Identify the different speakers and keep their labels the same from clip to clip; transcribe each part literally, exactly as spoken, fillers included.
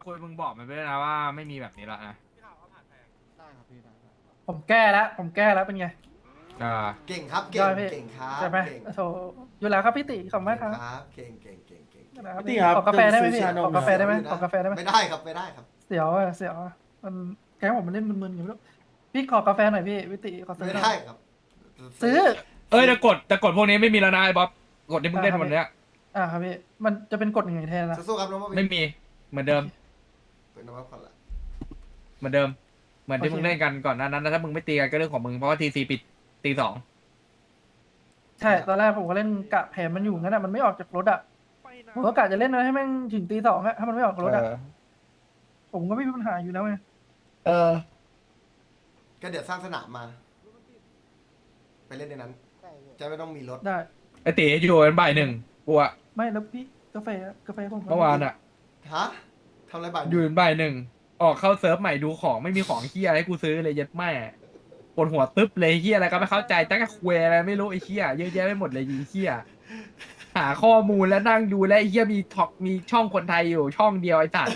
Speaker 1: คุยมึงบอกมันไปด้วยนะว่าไม่มีแบบนี้แล้วนะ
Speaker 2: ได้ครับพี่ได้ได้
Speaker 3: ผมแก้แล้วผมแก้แล้วเป็นไง
Speaker 1: อ่า
Speaker 4: เก่งครับเก่
Speaker 3: ย
Speaker 4: ง
Speaker 3: อดพี่
Speaker 4: เก่งครับ
Speaker 3: ใช่ไหม
Speaker 4: เก่ง
Speaker 3: โถอยู่แล้วครับพี่ติขอบคุณมาก
Speaker 4: เก่ง
Speaker 3: ครับ
Speaker 4: ครับเก่งเก่งเก่งเก่ง
Speaker 3: นะครับ
Speaker 2: พี่ติครับ
Speaker 3: ขอกาแฟได้ไหม
Speaker 2: จะซื้
Speaker 3: พี่
Speaker 2: อชานม
Speaker 3: ขอกาแฟได้ไหม
Speaker 4: เยว
Speaker 3: ขอกาแฟได้ไหม
Speaker 4: ไม่ได้ครับไม่ได้ครับ
Speaker 3: เสียวอะเสียวอะมันแกงผมมันเล่นมึนๆอยู่ไม่รู้พี่ขอกาแฟหน่อยพี่พี่ติขอซื้อ
Speaker 4: ไม่
Speaker 3: หน่
Speaker 4: ได้
Speaker 3: อย
Speaker 4: ครับ
Speaker 3: ซื้อ
Speaker 1: เอ้ยแต่กดแต่กดพวกนี้ไม่มีแล้วนะไอ้บ๊อบกดที่มึงเล่นวันเนี้ย
Speaker 3: อ่าครับพี่มันจะเป็นกฎยังไงแทนนะ
Speaker 4: สู้ๆครับน้องบอ
Speaker 1: ไม่มีเหมือนเดิม
Speaker 4: เป็นน้องบอก่อนละ
Speaker 1: เหมือนเดิม เหมือนที่มึงเล่นกันก่อนหนานั้นแล้วถ้ามึงไม่ตีกันก็เรื่องของมึงเพราะว่าทีซีปิดตีสอง
Speaker 3: ใช่ตอนแรกผมก็เล่นกะแผนมันอยู่งั้นอะมันไม่ออกจากรถอะผมก็กะจะเล่นนะให้แม่งถึงตีสองอะถ้ามันไม่ออกจากรถอะผมก็ไม่มีปัญหาอยู่แล้วไง
Speaker 1: เออ
Speaker 4: ก็เดี๋ยวสร้างสนามมา ไปเล่นในนั้น จะไม่ต้องมีรถ
Speaker 3: ได้
Speaker 1: ไอ้ตีอยู่เป็นบ่ายหนึ่งกูอะ
Speaker 3: ไม่แล้วพี่กาแฟอะกาแฟผม
Speaker 1: เมื่อวานอะ
Speaker 4: ฮะทำอะไรบ้าง
Speaker 1: อยู่เป็นบ่ายหนึ่งออกเข้าเซิร์ฟใหม่ดูของไม่มีของเฮียให้กูซื้อเลยยัดแม่ปวดหัวตึ๊บเลยเฮียอะไรก็ไม่เข้าใจตั้งแต่คุยอะไรไม่รู้ไอ้เฮียเยอะแยะไปหมดเลยไอ้เฮียหาข้อมูลแล้วนั่งดูแล้วไอ้เฮียมีท็อกมีช่องคนไทยอยู่ช่องเดียวไอ้สัตว์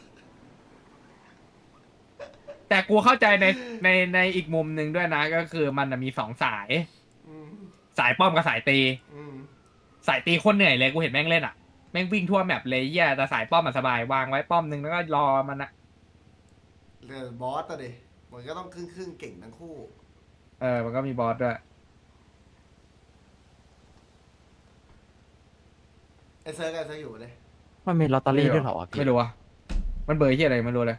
Speaker 1: แต่กูเข้าใจในในในอีกมุมหนึ่งด้วยนะก็คือมันน่ะมีสองสาย
Speaker 4: อืม
Speaker 1: สายป้อมกับสายตี
Speaker 4: อืม
Speaker 1: สายตีโคนเหนื่อยเลยกูเห็นแม่งเล่นอ่ะแม่งวิ่งทั่วแมปเลยเฮียแต่สายป้อมมันสบายวางไว้ป้อมหนึ่งแล้วก็รอมันนะ
Speaker 4: เรือบอสอะดิมันก็ต้องครึ่งครึ่งๆเก่งทั้งคู่
Speaker 1: เออมันก็มีบอสด้วย
Speaker 4: ไอเซิร์กไอเซิร์กอยู่เลย
Speaker 5: มันมีลอตเตอรี่ด้วยเหรอวะพี่
Speaker 1: ไม่รู้อ่ะมันเบอร์เฮียอะไรไม่รู้เลย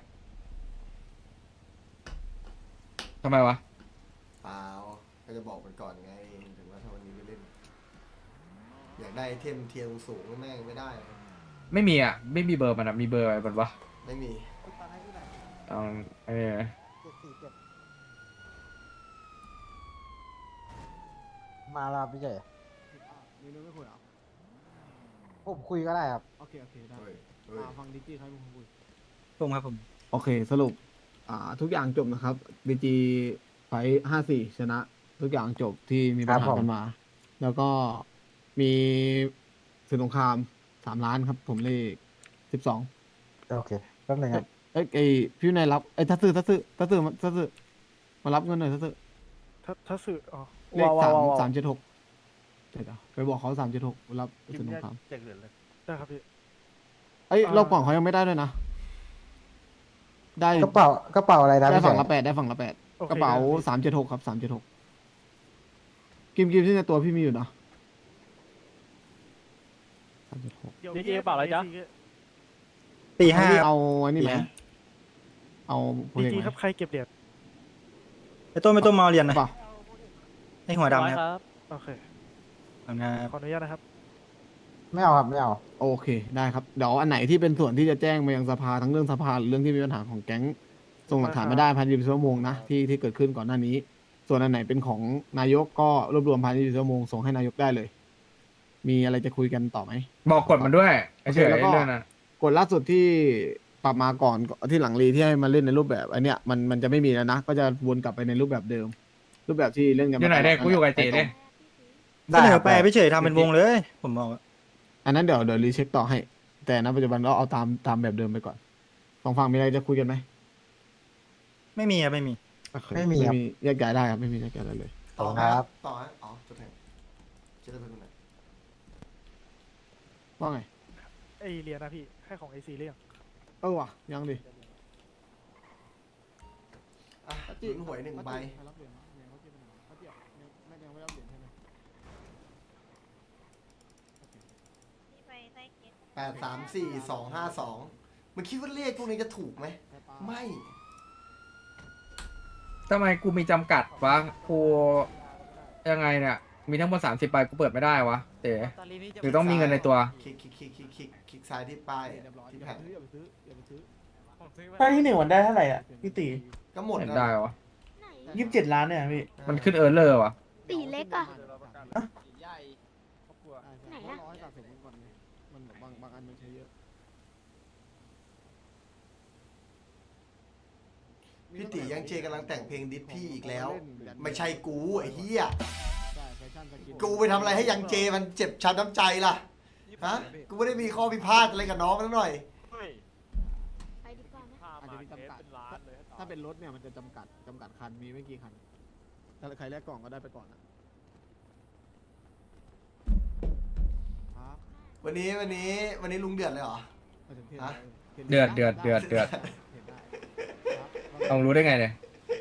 Speaker 1: ทำไมวะ
Speaker 4: เปล่าก็จะบอกมันก่อนไงถึงว่าถ้าวันนี้ไม่เล่น อยากได้ไอเทมเทียงสูงๆแม่งไม่ได้
Speaker 1: ไม่มีอ่ะไม่มีเบอร์มันอ่ะมีเบอร์อะไรมันวะ
Speaker 4: ไม่มี
Speaker 1: เอาเออ
Speaker 5: มาแล้วพี่เจ
Speaker 2: มีเรื่องไม่คุยเหรอ
Speaker 5: ผมคุยก็ได้ครับ
Speaker 2: โอเคโอเคได้
Speaker 4: เฮ้ยเฮ้ย
Speaker 2: อ่าฟังดิจิใครเป็นคนคุย
Speaker 5: ผมครับผม
Speaker 2: โอเคสรุปอ่าทุกอย่างจบนะครับบีจีไฟห้าสี่ชนะ ทุกอย่างจบที่มีปัญหากันมา แล้วก็มีศึกสงครามสามล้านครับ ผมเลขสิบสอง
Speaker 5: โอเคแป๊บนึงครับ
Speaker 2: เอ้ยไอพี่นายรับไอ้ยทัศซื้อทัศซื้อทัศซื้อมาทัศซื้อมารับเงินหน่อยทัศซื้อ
Speaker 3: ถ้าถ้าสื่ออ๋อ
Speaker 2: เลขสามสามเจ็ดหกเดี๋ยวๆไปบอกเขาสามเจ็ดหกรับศึกสงคราม
Speaker 3: ได้ครับพี่
Speaker 2: เอ้ย
Speaker 3: อ่าร
Speaker 2: อบก่อนเขายังไม่ได้ด้วยนะ ได้
Speaker 5: กระเป๋ากระเป๋าอะไรนะ
Speaker 2: ได้
Speaker 5: พี่เฉ
Speaker 2: ฝั่ง
Speaker 5: ย
Speaker 2: ละแปดได้ฝั่งละแปด
Speaker 3: โอค
Speaker 2: กระเป๋า
Speaker 3: ได้
Speaker 2: สามเจ็ดหกครับสามเจ็ดหกกิมกิมที่ในตัวพี่มีอยู่นะสามเจ็ดหก
Speaker 3: ดีเจเปล่าอะไรจ๊ะ
Speaker 5: ตีห้า
Speaker 2: เอาอันนี้ไหม
Speaker 5: เนี่ย
Speaker 2: เอาโปร
Speaker 3: ดี
Speaker 2: เจก
Speaker 3: จี
Speaker 2: ต์ไห
Speaker 3: ค
Speaker 2: ม
Speaker 3: รับใครเก็บเหรียญ
Speaker 5: ไอ้ต้นไม่ต้นมาเรียนนะ
Speaker 2: เปล่า
Speaker 5: ไอ้หัวดำนะครับ
Speaker 3: โอเค
Speaker 5: ทำงาน
Speaker 3: ขออนุญาตนะครับ
Speaker 5: ไม่เอาครับไม่เอา
Speaker 2: โอเคได้ครับเดี๋ยวอันไหนที่เป็นส่วนที่จะแจ้งมายังสภาทั้งเรื่องสภาหรือเรื่องที่มีปัญหาของแก๊งส่งหลักฐานมาได้ภายในยี่สิบชั่วโมงนะที่ที่เกิดขึ้นก่อนหน้านี้ ส่วนอันไหนเป็นของนายกก็รวบรวมภายในยี่สิบชั่วโมงส่งให้นายกได้เลย มีอะไรจะคุยกันต่อไหม
Speaker 1: บอกกดมันด้วยไอ้เฉย
Speaker 2: โอเคแล้วก็
Speaker 1: เรื่องนั้น
Speaker 2: กฎล่าสุดที่ปรับมาก่อนที่หลังรีที่ให้มาเล่นในรูปแบบอันเนี้ยมันมันจะไม่มีแล้วนะ ก็จะวนกลับไปในรูปแบบเดิม รูปแบบที่เล่นกัน
Speaker 1: อยู่ไหน
Speaker 2: มาตล
Speaker 1: เด้
Speaker 2: ด
Speaker 1: กูอยู่กับไอ้เต๋เด้
Speaker 5: เสนอไปพี่เฉยทำเป็นวงเลย ผมบอกว่า
Speaker 2: อันนั้นเดี๋ยวเดี๋ยวรีเช็คต่อให้ แต่ณปัจจุบันเราเอาตามตามแบบเดิมไปก่อนสองฝั่งมีอะไรจะคุยกันไหม
Speaker 5: ไม่มีครับไม่มี
Speaker 2: โอเค
Speaker 5: ไม่มีครับ
Speaker 2: ไม่มีแยกย้ายได้ครับไม่มีแยกย้ายได้เลย
Speaker 4: ต่อ
Speaker 5: ครับ
Speaker 4: ต่อฮะอ๋อจดแทงจะได้เป็นคนไหน
Speaker 2: ว่าไง
Speaker 3: ไอเหรียญนะพี่ให้ของไอซีเรียง
Speaker 2: เออว่ะยังดิ
Speaker 4: อ่ะลุ้นหวยหนึ่งใบ แปดสามสี่สองห้าสองมันคิดว่าเลขพวกนี้จะถูกไหม ไม่
Speaker 1: ทำไมกูมีจำกัดวะกูยังไงเนี่ยมีทั้งหมดสามสิบใบกูเปิดไม่ได้วะเต๋หรือต้องมีเงินในตัว
Speaker 4: คลิกคลิกคลิกคลิกคลิกคลิกซ้ายที่ป้ายอะที่แผ่น
Speaker 6: ป้ายที่หนึ่งมันได้เท่าไหร่อ่ะพี่ตี
Speaker 4: ก็หมด
Speaker 1: เห็น
Speaker 4: แล้ว
Speaker 1: ได้วะ
Speaker 6: ยี่สิบเจ็ดล้านเนี่ยพี่
Speaker 1: มันขึ้นเออร์เลอร์วะ
Speaker 7: ตีเล็กอะ ไหนอะ
Speaker 2: ร้อยสะสมก่อนไงมันบางบางอันมันใช้เยอะ
Speaker 4: พี่ตียังเจกำลังแต่งเพลงดิสพี่อีกแล้ว ไม่ใช่กูไอ้เหี้ย
Speaker 2: ใช่แฟชั่นสกิน
Speaker 4: กูไปทำอะไรให้ยังเจมันเจ็บช้ำน้ำใจล่ะ ฮะ กูไม่ได้มีข้อพิพาทอะไรกับน้องนั่นหน่อย
Speaker 2: จะมีจำกัดถ้าเป็นรถเนี่ยมันจะจำกัดจำกัดคันมีไม่กี่คันถ้าใครแลกกล่องก็ได้ไปก่อนนะครับ
Speaker 4: วันนี้วันนี้วันนี้ลุงเดือดเลยเหรอ
Speaker 2: มาถึงเที่ยง
Speaker 4: ฮะ
Speaker 2: แล้ว
Speaker 1: เดือดเดือดเดือดเดือด
Speaker 2: เห็นได้ครับ
Speaker 1: ต้องรู้ได้ไงเนี่ย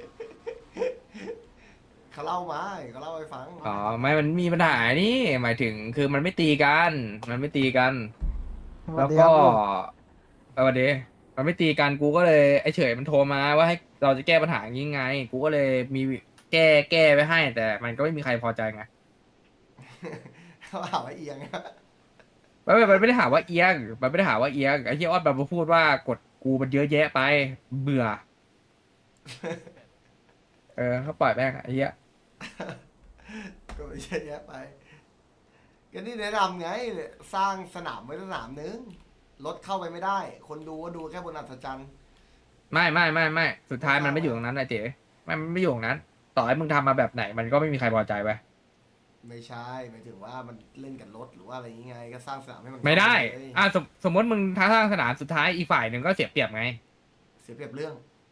Speaker 4: เขาเล่ามาเขาเล่าให้ฟัง
Speaker 1: อ๋อไม่มันมีปัญหานี่หมายถึงคือมันไม่ตีกัน มันไม่ตีกัน แล้วก็เออวันเดย์มันไม่ตีกันกูก็เลยไอ้เฉยมันโทรมาว่าให้เราจะแก้ปัญหาอย่างงี้ไง กูก็เลยมีแก้แก้ไปให้ แต่มันก็ไม่มีใครพอใจไง
Speaker 4: เขาหาว่าเอียง
Speaker 1: มันไม่มันไม่ได้หาว่าเอียงมันไม่ได้หาว่าเอียงไอ้เหี้ยออดแบบมาพูดว่ากดกูมันเยอะแยะไป เบื่อ เออเขาปล่อยแม่งไอ้เหี้ย
Speaker 4: ก็ไม่ใช่แยะไปก็นี่แนะนำไงสร้างสนามไว้สนามนึงรถเข้าไปไม่ได้ คนดูก็ดูแค่บนอัศจรรย์
Speaker 1: ไม่ไม่ไม่ไม่สุดท้ายมันไม่อยู่ตรงนั้นนะเจ๊ไม่มันไม่อยู่ตรงนั้น ต่อให้มึงทำมาแบบไหน มันก็ไม่มีใครพอใจไป
Speaker 4: ไม่ใช่หมายถึงว่ามันเล่นกับรถหรือว่าอะไรยังไงก็สร้างสนามให้มัน
Speaker 1: ไม่ได้
Speaker 4: เข้าปเลย
Speaker 1: อ่ะสมสมมติมึงท้าทางสนามสุดท้ายอีกฝ่ายหนึ่งก็เสียเปรียบไง
Speaker 4: เสียเปรียบเรื่อง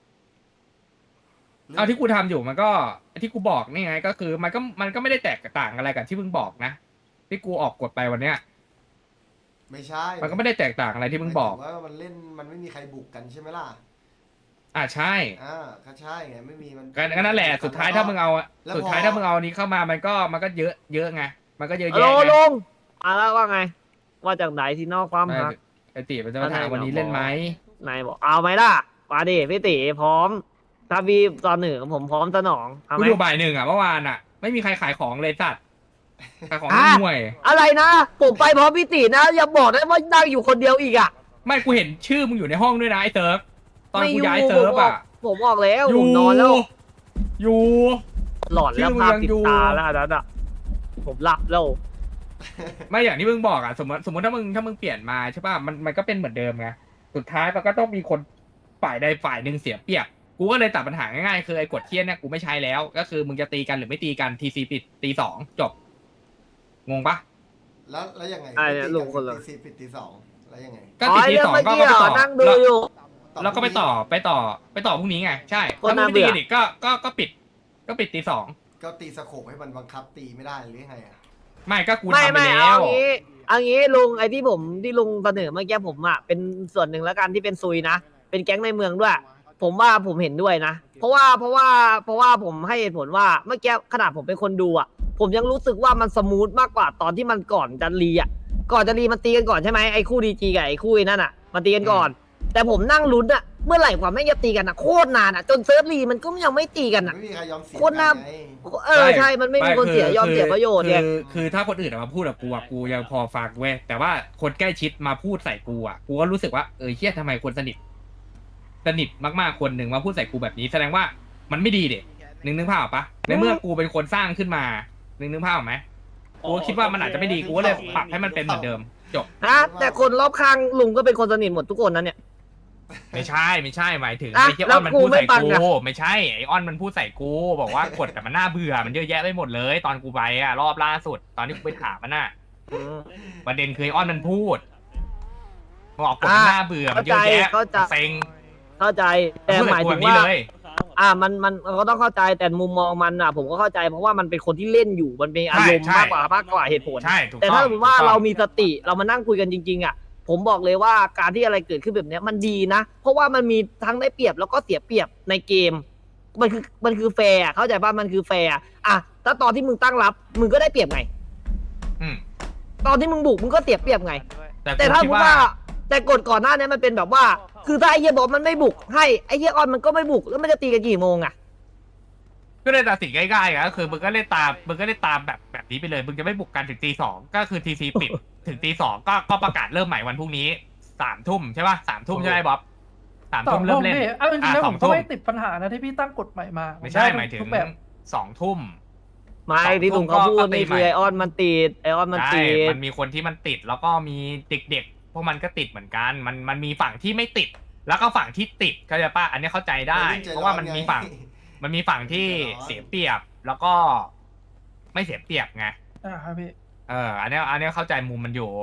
Speaker 1: เอาที่กูทำอยู่มันก็ที่กูบอกนี่ไง ก็คือมันก็มันก็ไม่ได้แตกต่างอะไรกับที่มึงบอกนะที่กูออกกฎไปวันเนี้ย
Speaker 4: ไม่ใช่
Speaker 1: มันก็ไม่ได้แตกต่างอะไรที่มึงบอก
Speaker 4: หายถึว่ามันเล่นมันไม่มีใครบุกกันใช่ไหมล่ะ
Speaker 1: อ่ะใช่
Speaker 4: อ่าก็ใช่ไงไม่มีมัน
Speaker 1: ก็ก็นั่นแหละสุดท้ายถ้ามึงเอา
Speaker 4: แล้วพอ
Speaker 1: สุดท้ายถ้ามึงเอาอันนี้เข้ามามันก็มันก็เยอะเยอะไงมันก็เยอะ
Speaker 7: ฮัล
Speaker 1: แยะ
Speaker 7: โหล
Speaker 1: ไง
Speaker 7: ลุงมาแล้วว่าไง ว่าจากไหนที่นอกความ
Speaker 1: ไม่
Speaker 7: หัก
Speaker 1: ไอติมันจะมาถามวันนี้เล่นไหม
Speaker 7: นายบอกเอาไหมล่ะมาดิพี่ติพร้อม ถ้าพี่ตอนหนึ่งผมพร้อมสนองเอา
Speaker 1: กู
Speaker 7: ไหม
Speaker 1: อยู่บ่ายหนึ่งอ่ะเมื่อวานอ่ะ ไม่มีใครขายของเลยสัตว์ขายของ
Speaker 7: อ่ะ
Speaker 1: ห่วย
Speaker 7: อะไรนะ ผมไปพร้อมพี่ตินะ อย่าบอกนะว่านั่งอยู่คนเดียวอีกอ่ะ
Speaker 1: ไม่กูเห็นชื่อมึงอยู่ในห้องด้วยนะไอ้เซิร์ฟตอน
Speaker 7: ไม่
Speaker 1: กู
Speaker 7: อยู่
Speaker 1: ย้ายเซิร์ฟอ่ะ
Speaker 7: ผมบอกแล้ว
Speaker 1: อ
Speaker 7: ผ
Speaker 1: ยู่
Speaker 7: มนอนแล้ว
Speaker 1: อยู่
Speaker 7: หลอนแล้ว
Speaker 1: ชื่อมึง
Speaker 7: ภาพ
Speaker 1: ยัง
Speaker 7: ติด
Speaker 1: อยู่
Speaker 7: ตาแล้วอันนั้นอ่ะผมหลับแล้ว
Speaker 1: ไม่อย่างที่มึงบอกอ่ะสมมติสมมติถ้ามึงถ้ามึงเปลี่ยนมาใช่ป่ะมันมันก็เป็นเหมือนเดิมไงสุดท้ายมันก็ต้องมีคนฝ่ายใดฝ่ายหนึ่งเสียเปรียบกูก็เลยตัดปัญหาง่ายๆคือไอ้กฎเทียนเนี่ยกูไม่ใช้แล้ว ก็คือมึงจะตีกันหรือไม่ตีกันทีซีปิดตีสองจบงงปะ
Speaker 4: แล้วแล้วยังไง
Speaker 7: อ่ะเนี่ยลุงคนละ
Speaker 4: ตีสี่ปิดตีสองแล้วยังไง
Speaker 1: ก็
Speaker 7: อ๋อ
Speaker 1: ตีที
Speaker 7: เรื่
Speaker 1: สอง
Speaker 7: เมื่อ
Speaker 1: ก็
Speaker 7: กี้
Speaker 1: ก็ไป
Speaker 7: เหร
Speaker 1: ต่
Speaker 7: อ
Speaker 1: อ
Speaker 7: นั่งดู
Speaker 1: แล้ว
Speaker 7: อยู่
Speaker 1: แล้วก็ไปต่อไปต่อไปต่อพรุ่งนี้ไงใช่
Speaker 7: โคตร
Speaker 1: ถ้ามึ
Speaker 7: น่าง
Speaker 1: ไม่ตี
Speaker 7: เบื่อ
Speaker 1: กันอีกก็ก็ก็ปิด ก็ปิดตีสอง
Speaker 4: ก็ตีสโคปให้มันบังคับตีไม่ได้หรือยังไงอ่ะ
Speaker 1: ไม่ก็กู
Speaker 7: ไม่
Speaker 1: ทำไป
Speaker 7: ไม่
Speaker 1: แล้
Speaker 7: เอา
Speaker 1: ว
Speaker 7: งี้เอางี้ลุงไอ้ที่ผมที่ลุงเสนอเมื่อกี้ผมอ่ะเป็นส่วนหนึ่งแล้วกันที่เป็นซุยนะเป็นแก๊งในเมืองด้วย ผมว่าผมเห็นด้วยนะ เพราะว่าเพราะว่าเพราะว่าผมให้เหตุผลว่าเมื่อกี้ขนาดผมเป็นคนดูอ่ะ ผมยังรู้สึกว่ามันสมูทมากกว่าตอนที่มันก่อนจะรีอ่ะก่อนจะรีมันตีกันก่อนใช่ไหมไอ้คู่ดีจีกับไอ้คู่ไอ้นั่นอ่ะมันตีกันก่อน แต่ผมนั่งลุ้นอ่ะเมื่อไหร่กว่าแม่งจะตีกันอ่ะโคตรนานอ่ะจนเซิร์ฟรีมันก็ยังไม่ตีกันอ่ะ
Speaker 4: ไม่มีใครยอมเสีย
Speaker 7: โคตรน่า
Speaker 4: ไง
Speaker 7: เออใช่มันไม่มีคนเสียยอมเสียประโยชน์ไง
Speaker 1: คือคือถ้าคนอื่นอะมาพูดกับกูอะกูยังพอฟังเว้ยแต่ว่าคนใกล้ชิดมาพูดใส่กูอะกูก็รู้สึกว่าเออเฮียทำไมคนสนิทสนิทมากๆคนหนึ่งมาพูดใส่กูแบบนี้แสดงว่ามันไม่ดีเด็กนึกนึกภาพออกปะในเมื่อกูเป็นคนสร้างขึ้นมานึกนึกภาพออกไหมกูก็คิดว่ามันอาจจะไม่ดีกูก็เลยปรับให้มันเป็นเหมือนเดิมจบ
Speaker 7: นะแต่คนรอบข้างลุงก็เป็นคนสนิทหมดทุกคนนะเนี่ย
Speaker 1: ไม่ใช่ไม่ใช่หมายถึง
Speaker 7: อ่ะ
Speaker 1: ไอ้เฮีย
Speaker 7: แล้
Speaker 1: อ้
Speaker 7: ว
Speaker 1: อนมัน
Speaker 7: กู
Speaker 1: พูดใส่
Speaker 7: ไม่ฟัง
Speaker 1: กู
Speaker 7: อ่ะ
Speaker 1: ไม่ใช่ไอ้อ้อนมันพูดใส่กู บอกว่ากดแต่มันน่าเบื่อมันเยอะแยะไปหมดเลย ตอนกูไปอะรอบล่าสุดตอนที่กูไปถามมันน่ะ
Speaker 7: อืม
Speaker 1: ประเด็นคือไอ้อ้อนมันพูดบอกกดมันน่าเบื่อมันเยอะแยะ
Speaker 7: เข้าใจ
Speaker 1: เซ็ง
Speaker 7: เข้าใจแต่
Speaker 1: พูด
Speaker 7: ห
Speaker 1: กับ
Speaker 7: มาย
Speaker 1: กู
Speaker 7: ถึ
Speaker 1: แบ
Speaker 7: ง
Speaker 1: บนี้
Speaker 7: ว่า
Speaker 1: เลย
Speaker 7: อ่ามันมันมันก็ต้องเข้าใจแต่มุมมองมันอ่ะ ผมก็เข้าใจเพราะว่ามันเป็นคนที่เล่นอยู่มันเป็นอารมณ์
Speaker 1: ใช่
Speaker 7: มากกว่ามากกว่าเหตุผล
Speaker 1: ใช่ถูก
Speaker 7: แต่
Speaker 1: ต้อง
Speaker 7: ถ้าสมมติว่า
Speaker 1: ถูกต้อง
Speaker 7: เรามีสติเรามานั่งคุยกันจริงๆอ่ะผมบอกเลยว่าการที่อะไรเกิดขึ้นแบบเนี้ยมันดีนะ เพราะว่ามันมีทั้งได้เปรียบแล้วก็เสียเปรียบในเกม มันคือมันคือแฟร์อะเข้าใจป่ะมันคือแฟร์อะอ่ะถ้าตอนที่มึงตั้งรับมึงก็ได้เปรียบไง
Speaker 1: อืม
Speaker 7: ตอนที่มึงบุกมึงก็เสียเปรียบไง
Speaker 1: แต่
Speaker 7: แต่
Speaker 1: กู
Speaker 7: ถ้า
Speaker 1: คิด
Speaker 7: พูด
Speaker 1: ว่า
Speaker 7: ว่าแต่กฎก่อนหน้านี้มันเป็นแบบว่า คือถ้าไอ้เหี้ยบอกมันไม่บุกให้ไอ้เหี้ยออนมันก็ไม่บุกแล้วมันจะตีกันกี่โมงอ่ะ
Speaker 1: ก็เลยตัดสินง่ายๆอะก็คือมึงก็เล่นตามมึงก็เล่นตามแบบแบบนี้ไปเลยมึงจะไม่บุกกันถึงตีสองก็คือทีซีปิด ถึงตีสองก็ก็ประกาศเริ่มใหม่วันพรุ่งนี้สามทุ่มใช่ป่ะสามทุ่มใช่ไหมบ๊อบสาม
Speaker 3: สอ
Speaker 1: ทุ่
Speaker 3: ง
Speaker 1: ม
Speaker 3: ทุ่
Speaker 1: เริ่
Speaker 3: ม
Speaker 1: มเล่น
Speaker 3: พี่เอาจริงๆ
Speaker 1: อ่ะ
Speaker 3: แล้ว
Speaker 1: ส
Speaker 3: ผ
Speaker 1: อง
Speaker 3: มก็
Speaker 1: ทุ่ม
Speaker 3: ไม่ติดปัญหานะที่พี่ตั้งกฎใหม่มา
Speaker 1: ไม่ใช่
Speaker 3: ด้
Speaker 1: หมายถึง
Speaker 3: ทุกแบบ
Speaker 1: สองทุ่ม
Speaker 7: ไม่
Speaker 1: สอง
Speaker 7: ที่ลุงเขา
Speaker 1: ทุ่มก็
Speaker 7: พูด
Speaker 1: ก็ตี
Speaker 7: นี่
Speaker 1: ใหม่
Speaker 7: คือไอออนมันติดไอออนมัน
Speaker 1: ใช่
Speaker 7: ติด
Speaker 1: มันมีคนที่มันติดแล้วก็มีเด็กๆพวกมันก็ติดเหมือนกัน มันมันมีฝั่งที่ไม่ติด แล้วก็ฝั่งที่ติดเข้าใจป่ะอันนี้เข้าใจได้ เพราะว่ามันมีฝั่ง มันมีฝั่งที่เสียเปรียบแล้วก็ไม่เสียเปรียบไง
Speaker 3: อ่าครับพี่
Speaker 1: เออ อันเนี้ยอันเนี้ยเข้าใจมุมมันอยู่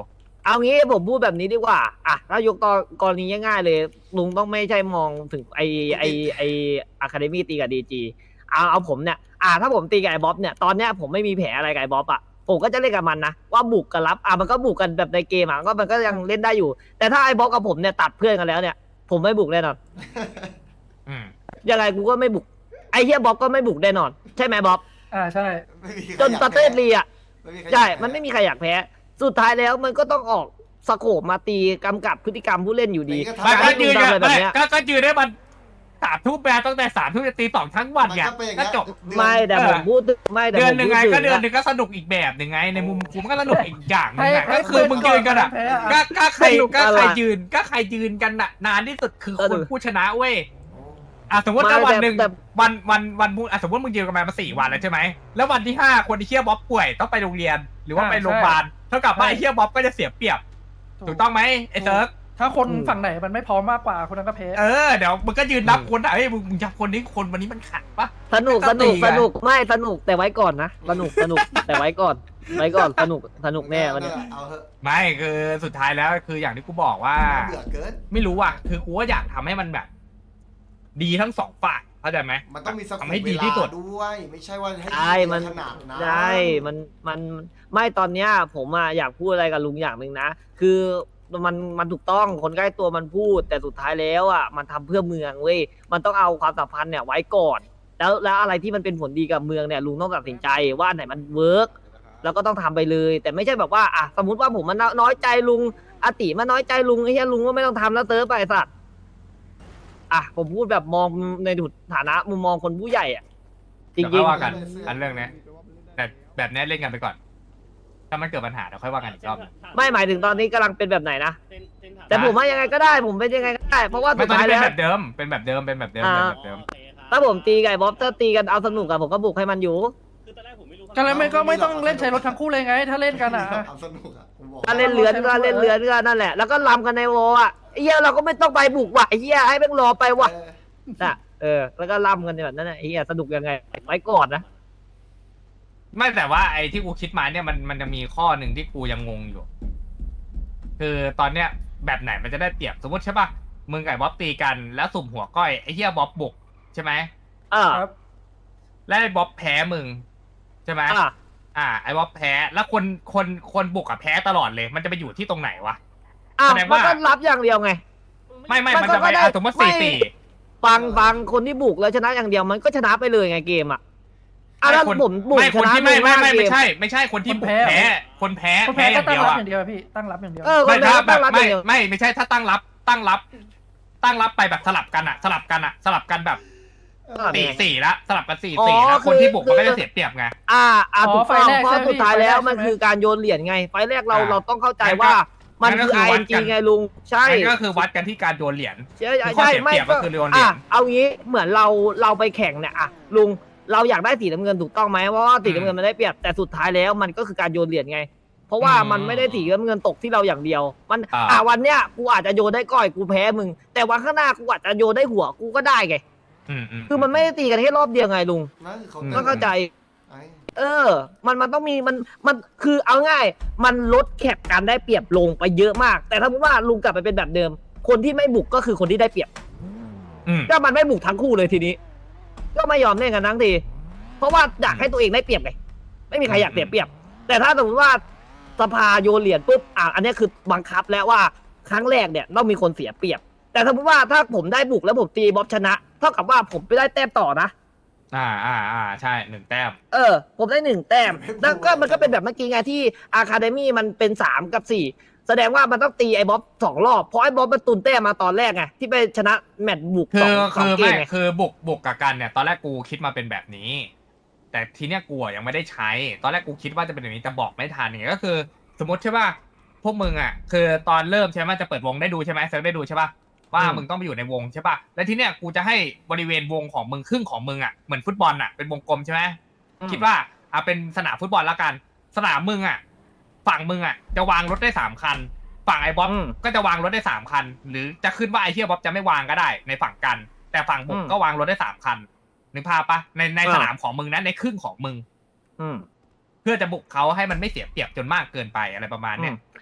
Speaker 7: เอางี้ผมพูดแบบนี้ดีกว่าอ่ะถ้ายกตอนกรณีง่ายๆเลยลุงต้องไม่ใช่มองถึงไอไอไออะคาเดมี่ตีกับดีจีเอาเอาผมเนี่ยอ่ะถ้าผมตีกับไอ้บ๊อบเนี่ยตอนเนี้ยผมไม่มีแผลอะไรกับไอ้บ๊อบอ่ะผมก็จะเล่นกับมันนะว่าบุกกับรับอ่ะมันก็บุกกันแบบในเกมอ่ะก็มันก็ยังเล่นได้อยู่ แต่ถ้าไอ้บ๊อบกับผมเนี่ยตัดเพื่อนกันแล้วเนี่ยผมไม่บุกแน่นอน
Speaker 1: อืม
Speaker 7: ยังไงกูก็ไม่บุกไอ้เฮียบ๊อบก็ไม่บุกแน่นอนใช่ไหมบ๊อบ
Speaker 3: อ่าใช่
Speaker 4: ไม่มีใคร
Speaker 7: จน
Speaker 4: อยาก
Speaker 7: ประเทศลีอ่ะ
Speaker 4: ไม่มีใคร
Speaker 7: ใช่
Speaker 4: อยาก
Speaker 7: มันไม่มีใครอยากแพ้ สุดท้ายแล้วมันก็ต้องออกสโคปมาตีกำกับพฤติกรรมผู้เล่นอยู่ดี
Speaker 1: ไม่
Speaker 7: การ
Speaker 1: ก็
Speaker 7: ที่
Speaker 1: ยื
Speaker 7: ลุ
Speaker 1: น
Speaker 7: งทำอะไรแบบ
Speaker 1: ไม่
Speaker 7: เนี้ย
Speaker 1: ก็ก็ยืนได้มันสามทุ่มแบตั้งแต่สามทุ่มจะตีสองทั้งวัน
Speaker 4: มัน
Speaker 1: ไง
Speaker 4: ก็เป็นอย่าง
Speaker 1: ก็
Speaker 4: เงี้ย
Speaker 1: จบ
Speaker 4: เดือน
Speaker 7: ไม่แต่
Speaker 1: เออ
Speaker 7: ผมพูดถึงไม่แต่
Speaker 1: เดื
Speaker 7: ผ
Speaker 1: อน
Speaker 7: ม
Speaker 1: หนึ่ง
Speaker 7: พูด
Speaker 1: ไง
Speaker 7: ถึง
Speaker 1: ก็เดือนหนึ่
Speaker 7: นะ
Speaker 1: งก็สนุกอีกแบบหนึ่งไงในมุมกูมันก็สนุกอีกอย่างหนึง
Speaker 3: ให้
Speaker 1: อะ
Speaker 3: ให้
Speaker 1: ก็คือมึงยืนกันอะ
Speaker 3: แพ้อะ
Speaker 1: ก็ก็ใคร
Speaker 7: สนุก
Speaker 1: ก็
Speaker 7: อะไร
Speaker 1: ใครยืนก็ใครยืนกันน่ะนานที่สุดคือ
Speaker 7: เออ
Speaker 1: คนผู้ชนะเว้ยอ่ะสมมติ
Speaker 7: ไม่
Speaker 1: ถ้าวัน
Speaker 7: แต่
Speaker 1: หนึ่ง
Speaker 7: แต่
Speaker 1: วันวันวันพูดอ่ะสมมติมึงยืนกันมามาสี่วันแล้วใช่ไหมแล้ววันที่ห้าคนที่เชี่ยบ๊อบป่วยต้องไปโรงเรียน หรือว่า
Speaker 3: อ่า
Speaker 1: ไปโรงพยาบาลเท่ากับว่า
Speaker 3: ใช่
Speaker 1: ไอ้เชี่ยบ๊อบก็จะเสียเปรียบถูกต้องไหมไอ้เซิร์ฟ
Speaker 3: ถ้าคน
Speaker 7: อืม
Speaker 3: ฝั่งไหนมันไม่พร้อมมากกว่าคนนั้นก็แพ้
Speaker 1: เออเดี๋ยวมึงก็ยืนนับคนอ่ะเฮ้ยมึงมึงจับคนนี้คนวันนี้มันขัดปะ
Speaker 7: สนุก
Speaker 1: ก็
Speaker 7: ส
Speaker 1: ตี
Speaker 7: นุก
Speaker 1: ไง
Speaker 7: สนุกไม่สนุกแต่ไว้ก่อนนะสนุกสนุกแต่ไว้ก่อนไว้ก่อนสนุกสนุกแน่วันนี้
Speaker 4: เอาเถอะ
Speaker 1: ไม่คือสุดท้ายแล้วคืออย่างที่กูบอกว่า
Speaker 4: น่าเบื่อเกิน
Speaker 1: ไม่รู้อ่ะคือกูก็อยากทำให้มันแบบ ดีทั้งสองฝ่ายเข้าใจไหม
Speaker 4: มันต้องมีสโค
Speaker 1: ทำ
Speaker 4: ป
Speaker 1: ให้
Speaker 4: เว
Speaker 1: ดี
Speaker 4: ลา
Speaker 1: ที่สุด
Speaker 4: ด้วย ไม่ใช่ว่าให้
Speaker 7: ใช่มัน
Speaker 4: ขนาดนั้น
Speaker 7: ใช่มันมันไม่ตอนเนี้ย ผมอะอยากพูดอะไรกับลุงอย่างหนึ่งนะ คือมันมันถูกต้องคนใกล้ตัวมันพูด แต่สุดท้ายแล้วอ่ะมันทำเพื่อเมืองเว้ยมันต้องเอาความสัมพันธ์เนี่ยไว้ก่อน แล้วแล้วอะไรที่มันเป็นผลดีกับเมืองเนี่ยลุงต้องตัดสินใจว่าอันไหนมันเวิร์กแล้วก็ต้องทำไปเลย แต่ไม่ใช่แบบว่าอ่ะสมมติว่าผมมันน้อยใจลุงอาติมันน้อยใจลุงไอ้เหี้ยลุงก็ไม่ต้องทำแล้วเติร์ฟไปไอ้สัตว์อ่ะผมพูดแบบมองในฐานะมุมมองคนผู้ใหญ่อ่ะจ
Speaker 1: เดี๋ยว
Speaker 7: ริ
Speaker 1: ค่
Speaker 7: ง
Speaker 1: อยว่ากันอันเรื่องเนี้ยแต่แบบเนี้ยเล่นกันไปก่อน ถ้ามันเกิดปัญหาเดี๋ยวค่อยว่ากันอีกรอบ
Speaker 7: ๆไม่หมายถึงตอนนี้กำลังเป็นแบบไหนนะแต่ผมว่ายังไงก็ได้ ผมเป็นยังไงก็ได้ เพราะว่า
Speaker 1: ไม่
Speaker 7: สุด
Speaker 1: ตอน
Speaker 7: ท้าย
Speaker 1: นี้เป็
Speaker 7: แล้
Speaker 1: น
Speaker 7: ว
Speaker 1: แบบเดิมเป็นแบบเดิมเป็นแบบเดิมเป็นแบบเดิม
Speaker 7: ถ้าผมตีไก่บ๊อบถ้าตีกันเอาสนุกอะผมก็บุกให้มันอยู่
Speaker 3: ก็เลยไม่ก็ไม่ต้องเล่นใช้รถทั้งคู่เลยไง ถ้าเล่นกันอ่ะ
Speaker 4: เอาสนุกอ่ะกูบอก
Speaker 7: ถ้าเล่นเลือนก็เล่นเลือนก็นั่นแหละแล้วก็ลำกันในวอลอะไอ้เหี้ยเราก็ไม่ต้องไปบุกว่ะไอ้เหี้ยให้แม่งรอไปว่ะ
Speaker 4: เออ
Speaker 7: น่ะเออแล้วก็ลำกันแบบนั้นน่ะไอ้เหี้ยสนุกยังไงไว้ก่อนนะ
Speaker 1: ไม่แต่ว่าไอ้ที่กูคิดมาเนี่ยมันมันจะมีข้อหนึ่งที่กูยังงงอยู่ คือตอนเนี้ยแบบไหนมันจะได้เปรียบสมมติใช่ป่ะมึงกับไอ้บ๊อบตีกันแล้วสุ่มหัวก้อยไอ้เหี้ยบ๊อบบุกใช่ไหม
Speaker 7: เออ
Speaker 3: ครับ
Speaker 1: แล้วไอ้บ๊อบแพ้มึงใช่ไหม
Speaker 7: อ่ะ
Speaker 1: อ่าไอ้บ๊อบแพ้แล้วคนคนคนบุกอะแพ้ตลอดเลย มันจะไปอยู่ที่ตรงไหนวะ
Speaker 7: อ้าว
Speaker 1: แสดง
Speaker 7: มัน
Speaker 1: ว่า
Speaker 7: ก็รับอย่างเดียวไง
Speaker 1: ไม่ไม่
Speaker 7: มัน
Speaker 1: มัน
Speaker 7: ก็
Speaker 1: จะไป
Speaker 7: ได้
Speaker 1: อ่ะสมมติ
Speaker 7: ไม่
Speaker 1: สี่สี่
Speaker 7: ฟังฟังคนที่บุกแล้วชนะอย่างเดียวมันก็ชนะไปเลยไงเกมอะอ่ะแล้ว
Speaker 1: คน
Speaker 7: ผมบุก
Speaker 1: ไม่
Speaker 7: ช
Speaker 1: คน
Speaker 7: นะ
Speaker 1: ที่ไม่ไม่ไม่
Speaker 7: ลุง
Speaker 1: ไม่
Speaker 7: ห้าเก
Speaker 1: ใช่ ไม่ใช่คนที่บุก
Speaker 3: คนแพ้
Speaker 1: แพ้คนแพ้
Speaker 3: คน
Speaker 1: แพ้
Speaker 3: แพ้
Speaker 1: อ
Speaker 3: ก็
Speaker 1: ย่าง
Speaker 3: ตั้
Speaker 1: เดี
Speaker 3: ง
Speaker 1: ยว
Speaker 3: รับ
Speaker 1: อะ
Speaker 3: อย่างเดียวอะพี่ตั้งรับอย่างเดียว
Speaker 7: เออค
Speaker 1: ไม่
Speaker 7: นแพ้
Speaker 1: ถ้า
Speaker 7: ก็
Speaker 1: แบ
Speaker 7: ตั้
Speaker 1: บ
Speaker 7: งรับอ
Speaker 1: ไม่
Speaker 7: ย่างเดียว
Speaker 1: ไม่ไม่ใช่ถ้าตั้งรับตั้งรับ ตั้งรับไปแบบสลับกันอะสลับกันอะสลับกันแบบ
Speaker 7: สลับ
Speaker 1: สี่
Speaker 7: ไง
Speaker 1: สี่ละสลับกันสี่
Speaker 7: อ๋อ
Speaker 1: สี่แล้ว
Speaker 7: คือ
Speaker 1: คนที่บุกมันก็
Speaker 7: คื
Speaker 1: จะ
Speaker 7: อ
Speaker 1: เสียเปรียบไง
Speaker 7: อ่าอ่า
Speaker 3: อ๋อ
Speaker 7: ถูก
Speaker 3: ไฟ
Speaker 7: ต้อง
Speaker 3: แรก
Speaker 7: เพราะ
Speaker 3: ใช่ไหม
Speaker 7: สุดท้ายแล้ว
Speaker 3: ไฟแรก
Speaker 7: มัน
Speaker 3: ใช่ไหม
Speaker 7: คือการโยนเหรียญไง ไฟแรกเรา
Speaker 1: อ่า
Speaker 7: เราต้องเข้าใจ
Speaker 1: งั้นก็
Speaker 7: ว่ามัน
Speaker 1: งั้นก็
Speaker 7: คือ
Speaker 1: คือวัด
Speaker 7: ไอ
Speaker 1: กัน
Speaker 7: ไงลุงใช่
Speaker 1: นั่นก็คือวัดกันที่การโยนเหรียญ
Speaker 7: ใช่
Speaker 1: คือข้อ
Speaker 7: ใช่
Speaker 1: เสีย
Speaker 7: ไม่
Speaker 1: เปรียบก็คือโยนเหรียญ
Speaker 7: อ่ะเอางี้เหมือนเราเราไปแข่งเนี่ยอ่ะลุงเราอยากได้สีน้ำเงินถูกต้องไหมเพราะว่าสีน้ำเงินมันได้เปรียบแต่สุดท้ายแล้วมันก็คือการโยนเหรียญไง เพราะว่า
Speaker 1: อืม
Speaker 7: มันไม่ได้สีน้ำเงินตกที่เราอย่างเดียว มัน
Speaker 1: อ่า
Speaker 7: อ่ะวันเนี้ยกูอาจจะโยนได้ก้อยกูแพ้มึง แต่วันข้างหน้ากูอาจจะโยนได้หัวกูก็ได้ไง
Speaker 1: อืมอืม
Speaker 7: คือมันไม่ได้ตีกันแค่รอบเดียวไงลุง
Speaker 4: นั่นคือเขา
Speaker 1: อืม
Speaker 7: ต้องเข้าใจ
Speaker 4: ไอ้
Speaker 7: เออ มัน มันต้องมี มัน มัน คือ เอาง่าย มันลดแคปการได้เปรียบลงไปเยอะมาก แต่ถ้าพูดว่าลุงกลับไปเป็นแบบเดิม คนที่ไม่บุกก็คือคนที่ได้เปรียบ
Speaker 1: อืม
Speaker 7: ก็มันไม่บุกทั้งคู่เลยทีนี้ ก็ไม่ยอมเล่นกันทั้งที เพราะว่าอยากให้ตัวเองได้เปรียบไง ไม่มีใครอยากเสียเปรียบ แต่ถ้าสมมติว่าสภาโยนเหรียญปุ๊บ อ่ะ อันนี้คือบังคับแล้วว่าครั้งแรกเนี่ยต้องมีคนเสียเปรียบ แต่สมมติว่าถ้าผมได้บุกแล้วผมตีบ๊อบชนะ เท่ากับว่าผมไปได้แต้มต่อนะ
Speaker 1: อ่าอ่าอ่าใช่หนึ่งแต้ม
Speaker 7: เออ ผมได้หนึ่งแต้ม แล้วก็มันก็เป็นแบบเมื่อกี้ไงที่อะคาเดมี่มันเป็นสามกับสี่แสดงว่ามันต้องตีไอ้บ๊อบสองรอบ เพราะไอ้บ๊อบมันตุนแต้มมาตอนแรกไง ที่ไปชนะแมตช์บุก
Speaker 1: คื
Speaker 7: สอง
Speaker 1: อ
Speaker 7: สอ
Speaker 1: คื
Speaker 7: ง
Speaker 1: อ
Speaker 7: เก
Speaker 1: ไม่
Speaker 7: มไง
Speaker 1: คือบุกบุกกับกันเนี่ยตอนแรกกูคิดมาเป็นแบบนี้ แต่ทีเนี้ยกูอะยังไม่ได้ใช้ ตอนแรกกูคิดว่าจะเป็นแบบนี้แต่บอกไม่ทันเนี่ยก็คือ สมมติใช่ป่ะพวกมึงอ่ะคือตอนเริ่มใช่ไหมจะเปิดวงได้ดูใช่ไหมเซิร์ฟได้ดูใช่ป่ะว่ามึงต้องไปอยู่ในวงใช่ป่ะแล้วทีเนี้ยกูจะให้บริเวณวงของมึงครึ่งของมึงอ่ะเหมือนฟุตบอลอ่ะเป็นวงกลมใช่ไหม
Speaker 7: อืม
Speaker 1: คิดว่าอ่ะเป็นสนามฟุตบอลแล้วกัน สนามมึงอ่ะฝั่งมึงอ่ะจะวางรถได้สามคัน ฝั่งไอ้บ๊อบ
Speaker 7: อืม
Speaker 1: ก็จะวางรถได้สามคัน หรือจะขึ้นว่าไอ้เฮียบ๊อบจะไม่วางก็ได้ในฝั่งกัน แต่ฝั่งบุก
Speaker 7: อืม
Speaker 1: ก็วางรถได้สามคันนึกภาพปะในใน
Speaker 7: อ่า
Speaker 1: สนามของมึงนะในครึ่งของมึง
Speaker 7: อืม
Speaker 1: เพื่อจะบุกเขาให้มันไม่เสียเปรียบจนมากเกินไปอะไรประมาณเนี้ย
Speaker 7: อืม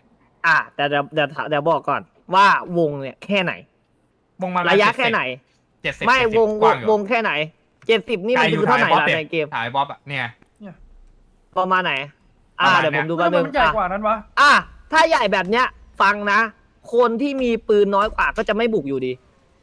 Speaker 7: อ่ะแต่เดี๋ยวเดี๋ยวเดี๋ยวบอกก่อนว่าวงเนี่ยแค่ไหน
Speaker 1: วงมา
Speaker 7: ระยะแค่ไหน
Speaker 1: เจ็ดสิบ
Speaker 7: ไม่วง
Speaker 1: กว้างอยู่
Speaker 7: วงแค่ไหนเจ็ดสิบนี่มันคือเท่าไหร่ล่ะในเกม
Speaker 1: ถ่ายบ๊อบอะเนี่ย
Speaker 7: ประมาณไหน อ่า
Speaker 1: ประมาณ
Speaker 7: เดี๋ยวผมดู
Speaker 3: ทำ
Speaker 7: แป๊บ
Speaker 3: ไม
Speaker 7: นึง
Speaker 3: มันใหญ่
Speaker 7: อ่ะ
Speaker 3: กว่านั้นวะ
Speaker 7: อ่ะถ้าใหญ่แบบเนี้ย ฟังนะ คนที่มีปืนน้อยกว่าก็จะไม่บุกอยู่ดี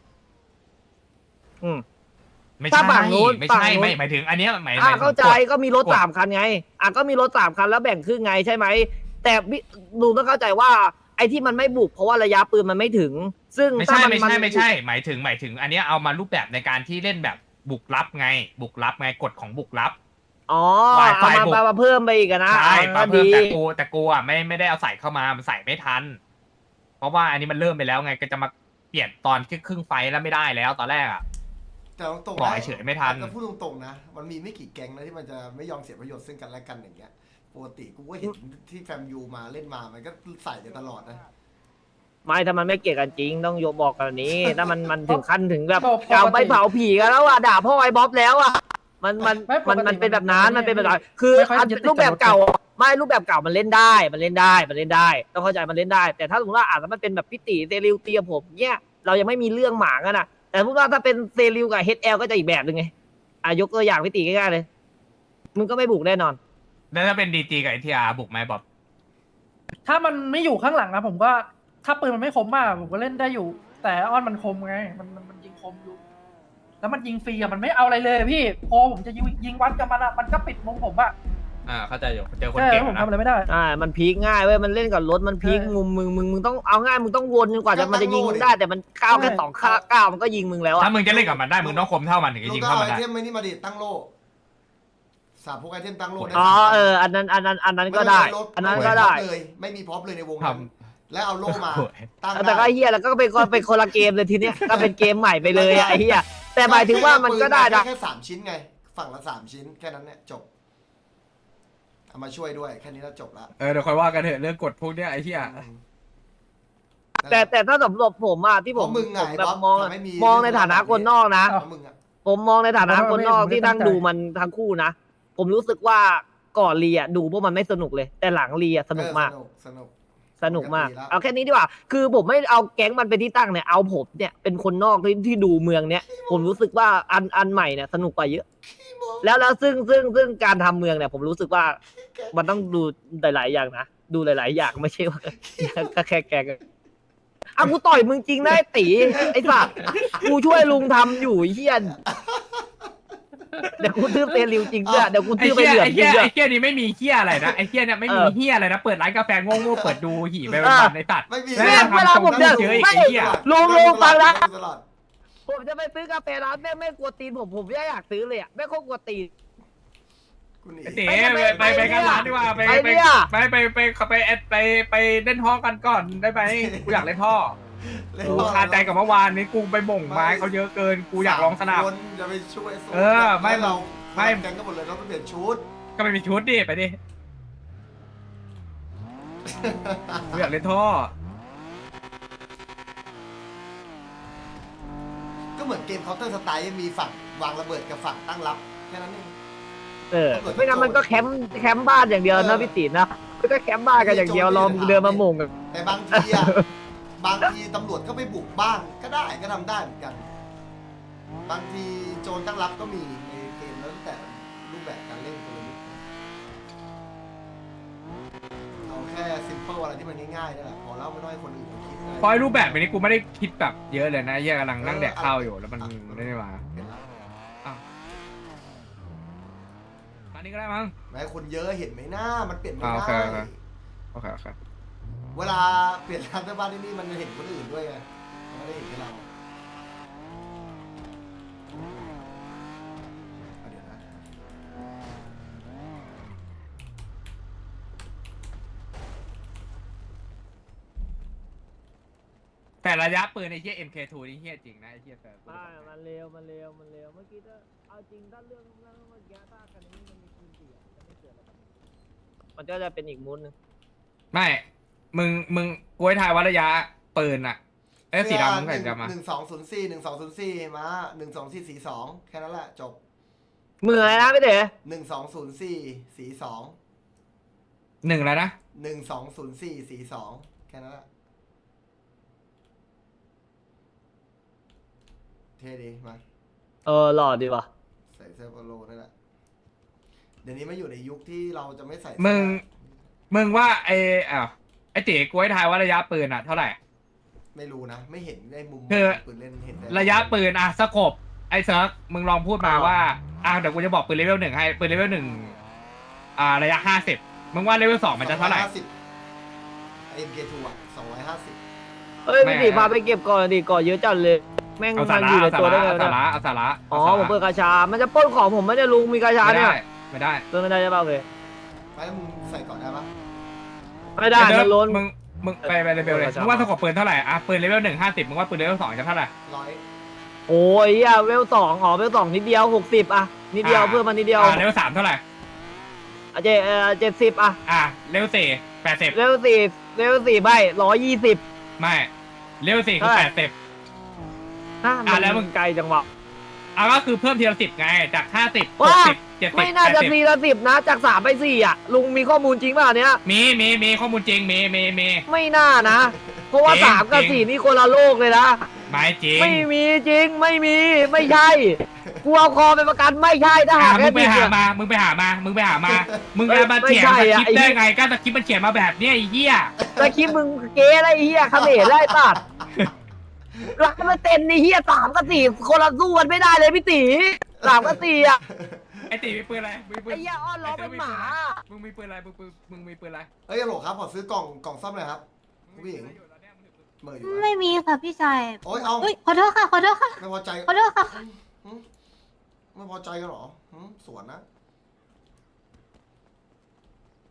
Speaker 7: อืม
Speaker 1: ไม่
Speaker 7: ถ้า
Speaker 1: ใช่
Speaker 7: ฝั่งนู้น
Speaker 1: ไม่
Speaker 7: ฝั่ง
Speaker 1: ใช่
Speaker 7: นู้น
Speaker 1: ไม่หมายถึงอันเนี้ยหมายห
Speaker 7: อ่ะ
Speaker 1: มายถึง
Speaker 7: เข้าใจ
Speaker 1: กฎ
Speaker 7: ก็มีรถ
Speaker 1: กฎ
Speaker 7: สามคันไง อ่ะก็มีรถสามคันแล้วแบ่งครึ่งไงใช่ไหม แต่พี่ลุงต้องเข้าใจว่า ไอ้ที่มันไม่บุกเพราะว่าระยะปืนมันไม่ถึง ซึ่ง
Speaker 1: ไม่
Speaker 7: ถ้า
Speaker 1: ใช่
Speaker 7: มัน
Speaker 1: ไม่
Speaker 7: มัน
Speaker 1: ใช่ไม่ใช่ หมายถึงหมายถึง อันเนี้ยเอามารูปแบบในการที่เล่นแบบบุกลับไง บุกลับไงกฎของบุกลับ
Speaker 7: อ๋อ
Speaker 1: ฝ่าย
Speaker 7: เอา
Speaker 1: ฝ่าย
Speaker 7: มา
Speaker 1: บุก
Speaker 7: มามาเพิ่มไปอีกอะนะ
Speaker 1: ใช่
Speaker 7: อ่ะ
Speaker 1: ปา
Speaker 7: ก็
Speaker 1: เพิ่ม
Speaker 7: ดี
Speaker 1: แต่กูแต่กูอ่ะไม่ไม่ได้เอาใส่เข้ามามันใส่ไม่ทัน เพราะว่าอันนี้มันเริ่มไปแล้วไงก็จะมาเปลี่ยนตอนครึ่งไฟแล้วไม่ได้แล้วตอนแรกอ่ะ
Speaker 4: แต่ตรงๆ
Speaker 1: บอก
Speaker 4: นะ
Speaker 1: เฉยๆไม่ทัน
Speaker 4: แต่พูดตรงๆนะ มันมีไม่กี่แก๊งนะที่มันจะไม่ยอมเสียประโยชน์ซึ่งกันและกันอย่างเงี้ยปกติกูก็เห็นที่แฟมยูมาเล่นมามันก็ใส่กันตลอดนะ
Speaker 7: ไม่ถ้ามันไม่เกลียดกันจริงต้องโยบอกกันนี้ ถ้ามันมันถึงขั้นถึงแบบ
Speaker 3: ปกติ
Speaker 7: กาวไปเผาผีกันแล้วอ่ะด่าพ่อไอ้บ๊อบแล้วอ่ะมันมัน
Speaker 3: ไม่ปกติ
Speaker 7: มันมันเป็นแบบนั้นมันเป็นแบบนั้นคือ
Speaker 3: ไม่ค่อย
Speaker 7: อัน
Speaker 3: ยึดติด
Speaker 7: รูปแบบ
Speaker 3: กับรถ
Speaker 7: เก่าไม่รูปแบบเก่ามันเล่นได้มันเล่นได้มันเล่นได้ ต้องเข้าใจมันเล่นได้ แต่ถ้าสมมติว่าอาจจะมันเป็นแบบพิติเซริวเตียผมเนี่ยเรายังไม่มีเรื่องหมากันอ่ะ แต่พูดว่าถ้าเป็นเซริวกับเฮดแอลก็จะอีกแบบหนึ่งไงอ่ะยกตัวอย่างพิติง่ายๆเลยมึงก็ไม่บุกแน่นอน
Speaker 1: แล้วถ้าเป็นดีจีกับเอทีอาร์บุกไหมบ๊อบ
Speaker 3: ถ้ามันไม่อยู่ข้างหลังนะผมก็ถ้าปืนมันไม่คมมากผมก็เล่นได้อยู่ แต่อ้อนมันคมไงมันมันมันยิงคมอยู่ แล้วมันยิงฟรีอะมันไม่เอาอะไรเลยพี่พอผมจะยิงยิงวัดกับมันอะมันก็ปิดมุมผมอะ
Speaker 1: อ่าเข้าใจอยู่เจอคน
Speaker 3: ใช่
Speaker 1: เก่ง
Speaker 3: ผม
Speaker 1: นะ
Speaker 3: ทำอะไรไม่ได้
Speaker 7: อ่ามันพีคง่ายเว้ยมันเล่นกับรถมันพีค
Speaker 3: ใช่
Speaker 7: มุมมึงมึงมึงต้องเอาง่ายมึงต้องวนจนกว่าจะมันจะยิงมึงได้ แต่มันก้าวแค่
Speaker 3: ใช่
Speaker 7: สองข้าก้าวมันก็ยิงมึงแล้ว
Speaker 1: ถ้า
Speaker 7: อ่ะ
Speaker 1: มึงจะเล่นกับมันได้มึงต้องคมเท่ามันถึงจะ
Speaker 4: ลุ
Speaker 1: ยิ
Speaker 4: ง
Speaker 1: ง
Speaker 4: ก็
Speaker 1: เข้า
Speaker 4: เอา
Speaker 1: มัน
Speaker 4: ไอ
Speaker 1: ได้
Speaker 4: เทมไม่นี่มาดิตั้งโล่สามพวกไอเทมตั้งโล่ได้
Speaker 7: อ๋อ
Speaker 4: สามพัน
Speaker 7: เอออันนั้นอันนั้นอันนั้นก็
Speaker 4: ม่
Speaker 7: ได้
Speaker 4: ใช่รถ
Speaker 7: อันนั้น
Speaker 4: ม่
Speaker 7: ก็
Speaker 4: ใช่
Speaker 7: ได้
Speaker 4: พร็อพเลยไม่มีพร็อพเลยในวงนั้นแล้วเอาโล่มาตั้ง
Speaker 7: แต่ก็
Speaker 4: ได้
Speaker 7: เฮียแล้วก็เป็นคนเป็นคนละเกมเลยทีเนี้ยก็เป็นเกมใหม่ไปเลยอะไอ้เฮียแต่หมายถึงว่ามันก็ได้นะ
Speaker 4: แค่สามชิ้นไง ฝั่งละสามชิ้นแค่นั้นเนี่ยจบเอามาช่วยด้วยแค่นี้แล้วจบละ
Speaker 1: เออเดี๋ยวค่อยว่ากันเถอะเรื่องกฎพวกเนี้ยไอ้เหี้ย
Speaker 7: แต่แต่ถ้าสำหรับผมอะที่
Speaker 4: เพ
Speaker 7: ผม
Speaker 4: ราะมึงไง
Speaker 7: ผมแบบ
Speaker 4: บ๊อบ
Speaker 7: มอง
Speaker 4: ทำให้มี
Speaker 7: มองในฐานะคนนอกนะ
Speaker 3: อ้าว
Speaker 4: มึงอะ
Speaker 7: ผมมองในฐานะ
Speaker 3: ผม
Speaker 7: คน
Speaker 3: ไม่
Speaker 7: นอก
Speaker 3: ผมไม่
Speaker 7: ที่นั่ง
Speaker 3: ตั้งใจ
Speaker 7: ดูมันทั้งคู่นะผมรู้สึกว่าก่อนเรียดูพวกมันไม่สนุกเลย แต่หลังเรียสนุกมาก
Speaker 4: เออสนุกสนุก
Speaker 7: สนุกมาก
Speaker 4: ปกติแล้ว
Speaker 7: เอาแค่นี้ดีกว่า คือผมไม่เอาแก๊งมันเป็นที่ตั้งเนี่ย เอาผมเนี่ยเป็นคนนอกที่ที่ดูเมืองเนี้ย ผมรู้สึกว่าอันอันใหม่เนี่ยสนุกกว่าเยอะ แล้วแล้วซึ่งซึ่งซึ่งการทำเมืองเนี่ย ผมรู้สึกว่ามันต้องดูหลาย ๆ อย่างนะ ดูหลาย ๆ อย่างไม่ใช่ว่า ก็แค่แกงอ่ะกูต่อยมึงจริงนะไอ้ตีไอ้สัตว์กูช่วยลุงทำอยู่ไอ้เฮียนเดี๋ยวกูทื่อเตลิวจริงด้วยเดี๋ยวกู
Speaker 1: ไอ้
Speaker 7: ทื่อไป
Speaker 1: เหี้ย
Speaker 7: เหลือง
Speaker 1: ไอ้
Speaker 7: จริ
Speaker 1: เหี้ย
Speaker 7: งด้วย
Speaker 1: ไอ้เหี้ยนี่ไม่มีเหี้ยอะไรนะไอ้เหี้ยเนี่ยไม่มี
Speaker 7: เออ
Speaker 1: เหี้ยอะไรนะเปิดร้านกาแฟโง่ๆเปิดดูหี่ไปวันๆในตัด
Speaker 4: ไม่มี
Speaker 1: แม่ง
Speaker 7: เวลาผมเดิน
Speaker 1: เฉยๆ
Speaker 7: ไม่
Speaker 1: ไอ้เหี้ย
Speaker 7: ลุงลุงฟังนะ
Speaker 4: ตลอด
Speaker 7: ผมจะไปซื้อกาแฟร้านแม่งไม่กลัวตีนผมผมไม่อยากซื้อเลยอ่ะแม่งโคตรกลัวตีน
Speaker 4: กูหนี
Speaker 1: ไอ้เต๋ไปไปไปกันร้านดีกว่าไป
Speaker 7: ไป
Speaker 1: ไป
Speaker 7: เนี่ย
Speaker 1: ไปไปไปไปไปไปไปเล่นท่อกันก่อนได้ไหมกูอยากเล่นท่อ
Speaker 4: เล่น
Speaker 1: กู
Speaker 4: บอล
Speaker 1: คาใจกับเมื่อวานนี้กูไปบ่งไม้เขาเยอะเกินกูอยากลองสนาม
Speaker 4: คนจะไปช่วยโซน
Speaker 1: เออไม่
Speaker 4: แล้วเรา
Speaker 1: ไม่
Speaker 4: แกงก็หมดเลยเราต้องเปลี่ยนชุด
Speaker 1: ก็ไปมีชุดดิไปดิกูอยากเล่นท่อ
Speaker 4: ก็เหมือนเกมเคาน์เตอร์สไตล์มีฝั่งวางระเบิดกับฝั่งตั้งรับแค่นั้นเอง
Speaker 7: เออไม่งั้นมันก็แคมป์แคมป์บ้านอย่างเดียวนะพี่ตีนนะมันก็แคมป์บ้านกันอย่างเดียวรอมึงเดินมาหม่งกัน
Speaker 4: แต่บางทีอะ บางทีตำรวจก็ไปบุกบ้านก็ได้ก็ทำได้เหมือนกัน บางทีโจรตั้งรับก็มีในเกมแล้วแต่รูปแบบการเล่นคนละนิดเอาแค่ซิมเปิลอะไรที่มันง่ายๆนี่แหละพอแล้วไม่ต้องให้คนอื่นเขาคิดอะไร
Speaker 1: พอยรูปแบบนี้กูไม่ได้คิดแบบเยอะเลยนะเหี้ยกำลังนั่งแดกข้าวอยู่แล้วมันไม่ได้มา
Speaker 4: เห็นแล้ว
Speaker 1: อันนี้ก็ได้มั้ง
Speaker 4: แม้คนเยอะเห็นไหมหน้ามันเปลี่ยนไม่
Speaker 1: อ่าโอเค
Speaker 4: ได้
Speaker 1: โอเค โอเคโอเค
Speaker 4: เวลาเปลี่ยนร้านเสื้อผ้าที่นี่มันเห็นคนอื่นด้วยไงมันไม่ได้เห็นแค่เราเอาเดี๋ยวนะ
Speaker 1: แต่ระยะปืนไอ้เหี้ย เอ็ม เค ทู นี่เหี้ยจริงนะไอ้เหี้ยเซิร์ฟ
Speaker 7: ไม่มันเร็วมันเร็วมันเร็วเมื่อกี้ถ้าเอาจริงถ้าเรื่องเรื่องเมื่อกี้ถ้ากันนี้มันมีปืนเสียจะไม่เกิดอะไรมันก็จะเป็นอีกมูดนึง
Speaker 1: ไม่ มึง มึงกูให้ทายว่าระยะปืนอะเอ้ยสีดำมึงใส่สีดำมา
Speaker 4: หนึ่งสองศูนย์สี่หนึ่งสองศูนย์สี่มาหนึ่งสองสี่สี่สองแค่นั้นแหละจบ
Speaker 7: มืออะไรนะพี่เต๋อ
Speaker 4: หนึ่งสองศูนย์สี่สี่สอง
Speaker 1: หนึ่งแล้วนะ
Speaker 4: หนึ่งสองศูนย์สี่สี่สองแค่นั้นแหละเท่ดีมา
Speaker 7: เออหล่อดีว่ะ
Speaker 4: ใส่เสื้อโปโลนั่นแหละเดี๋ยวนี้มาอยู่ในยุคที่เราจะไม่ใส่
Speaker 1: มึง มึงว่าไอ้อ้าวไอ้ตีกูให้ทายว่าระยะปืนอ่ะเท่าไหร่
Speaker 4: ไม่รู้นะ ไม่เห็นได้มุม
Speaker 1: คือ
Speaker 4: ปืนเล่นเห็นแต่
Speaker 1: ระยะปืนอ่ะสกบไอ้เซิร์กมึงลองพูดมา
Speaker 7: อ่า
Speaker 1: ว่าอ่ะเดี๋ยวกูจะบอกปืนเลเวลหนึ่งให้ปืนเลเวลหนึ่งอ่าระยะห้าสิบมึงว่าเลเวลสองมันจะเท่าไหร่
Speaker 4: สองอยห้สิบ เอ็ม เค ทู อ่ะสองร้อยห้าสิบ
Speaker 7: เอ้ย
Speaker 1: ไม่
Speaker 7: พี่ตีพาไปเก็บก่อนดิก่อนเยอะจัดเลย แม่ง
Speaker 1: เอาสา
Speaker 7: มัน
Speaker 1: ระ
Speaker 7: อยู่ใน
Speaker 1: เอาสา
Speaker 7: ตัวได้
Speaker 1: ระ
Speaker 7: ไง
Speaker 1: เอาสาว
Speaker 7: ะ
Speaker 1: ระเอาสาระ
Speaker 7: อ๋อ
Speaker 1: าสาระ
Speaker 7: ผมเปิดกาชา มันจะปล้นของผมไม่ได้ลุงมีกาชา
Speaker 1: ไม่
Speaker 7: เนี่ย
Speaker 1: ได้ไม่ได้
Speaker 7: เปิดไม่ได้ใช่ป่าวเลย
Speaker 4: ไม่แล้วมึงใส่ก่อนได้ปะ
Speaker 7: ไม่ได้
Speaker 1: เดี๋ยว
Speaker 7: มันล้น
Speaker 1: มึงมึงไปไปเลเวลเลย
Speaker 7: เออ
Speaker 1: มึงว่าสกบปืนเท่าไหร่อ่ะปืนเลเวลหนึ่งห้าสิบมึงว่าปืนเลเวลสองจะเท่าไหร่
Speaker 4: ร้อย
Speaker 7: โอ้ยอ่ะเวลสองอ๋อเวลสองนิดเดียวหกสิบอ่ะนิดเดียว
Speaker 1: อ่า
Speaker 7: เพิ่มมานิดเดียว
Speaker 1: อ่าเลเวลสามเท่าไหร่
Speaker 7: อ่ะเจเออเจ็ดสิบอ่ะ
Speaker 1: อ่าเลเวลสี่แปดสิบ
Speaker 7: เวลสี่เวลสี่ใบร้อยยี่สิบ
Speaker 1: ไม่เลเวลสี่คือ
Speaker 7: เท่าไหร่
Speaker 1: แปดสิบ
Speaker 7: อ่ะ
Speaker 1: อ่ะ
Speaker 7: มัน
Speaker 1: แล้วมึง
Speaker 7: ไกลจังวะ
Speaker 1: อ่ะก็คือเพิ่มทีละสิบไงจากห้าสิบหก
Speaker 7: ว้า
Speaker 1: สิบเจ็ดสิบ
Speaker 7: ไม่น่า
Speaker 1: แปด
Speaker 7: จะ
Speaker 1: สิบ
Speaker 7: สี่ละสิบนะ จากสามไปสี่อ่ะ ลุงมีข้อมูลจริงป่ะเนี้ย
Speaker 1: มีมีมีข้อมูลจริงมีมีมี
Speaker 7: ไม่น่านะ เพราะว่า
Speaker 1: จริง
Speaker 7: สามกับ
Speaker 1: จริง
Speaker 7: สี่นี่คนละโลกเลยนะ
Speaker 1: ไม่จริง
Speaker 7: ไม่มีจริงไม่มีไม่ใช่กูเอาคอเป็นประกันไม่ใช่ถ้า
Speaker 1: อ่ะ
Speaker 7: หาก
Speaker 1: มึ
Speaker 7: แค่
Speaker 1: งไป
Speaker 7: ผิด
Speaker 1: หา
Speaker 7: เนี่ย
Speaker 1: มา มึงไปหามา มึงไปหามา มึง
Speaker 7: เอ้ย
Speaker 1: จะมาเถียง
Speaker 7: ไม่
Speaker 1: ส
Speaker 7: ใช่
Speaker 1: ค
Speaker 7: อ่ะ
Speaker 1: ริปต์ได้
Speaker 7: ไอ้
Speaker 1: ไงก็สคริปต์มันเขียนมาแบบเนี้ยไอ้เหี้ย
Speaker 7: ตะคิดมึงเก๋อะไรไอ้เหี้ยเขมรไล่ตัดรักมันเต็นไอ้เหี้ยสามกับสี่คนละสู้กันไม่ได้เลยพี่ตีสามกับสี่อ่ะ
Speaker 1: ไอ้ตีมีปืนอะไรมีปืน
Speaker 7: ไอ้เหี้ยอ้อนล้อเป็นหมา
Speaker 1: มึงมีปืนอะไรมึงปืนมึงมีปืนอะไร
Speaker 4: เอ้ยฮัลโหลครับขอซื้อกล่องกล่องซ่อมหน่อยครับผู้หญิงเหมยอยู่นะ
Speaker 8: ไม่มีค่ะพี่ชาย
Speaker 4: โอ๊ยเอา
Speaker 8: เฮ้ยขอโทษค่ะ ขอโทษค่ะ
Speaker 4: ไม่พอใจ
Speaker 8: ขอโทษค่ะ
Speaker 4: หึไม่พอใจกันเหรอหึสวนนะ